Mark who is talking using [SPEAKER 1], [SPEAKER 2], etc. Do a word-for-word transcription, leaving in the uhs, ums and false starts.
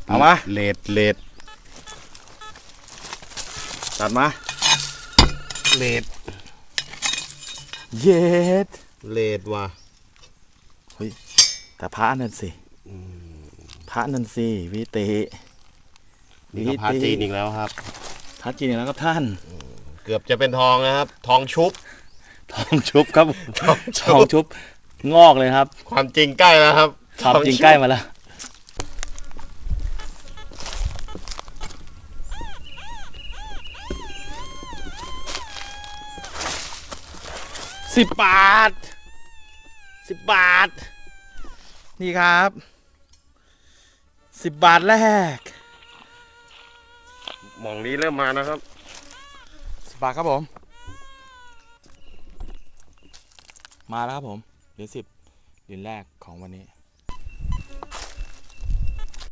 [SPEAKER 1] เอามา
[SPEAKER 2] เลดเลด
[SPEAKER 1] ตัดมา
[SPEAKER 2] เลด
[SPEAKER 1] เย็ด
[SPEAKER 2] เลดว่ะ
[SPEAKER 1] เฮ้ยแต่พระนั่นสิพระนั่นสิวิเต
[SPEAKER 2] นี่ก็พระจีนอีกแล้วครับ
[SPEAKER 1] พระจีนอีกแล้วครับท่าน
[SPEAKER 2] เกือบจะเป็นทองนะครับทองชุบ
[SPEAKER 1] ทองชุบครับทองชุบงอกเลยครับ
[SPEAKER 2] ความจริงใกล้แล้วครับ
[SPEAKER 1] ความจริงใกล้มาแล้วสิบบาทสิบบาทนี่ครับสิบบาทแรก
[SPEAKER 2] หม่องนี้เริ่มมานะครับ
[SPEAKER 1] สิบบาทครับผมมาแล้วครับผมเหรียญสิบเหรียญแรกของวันนี้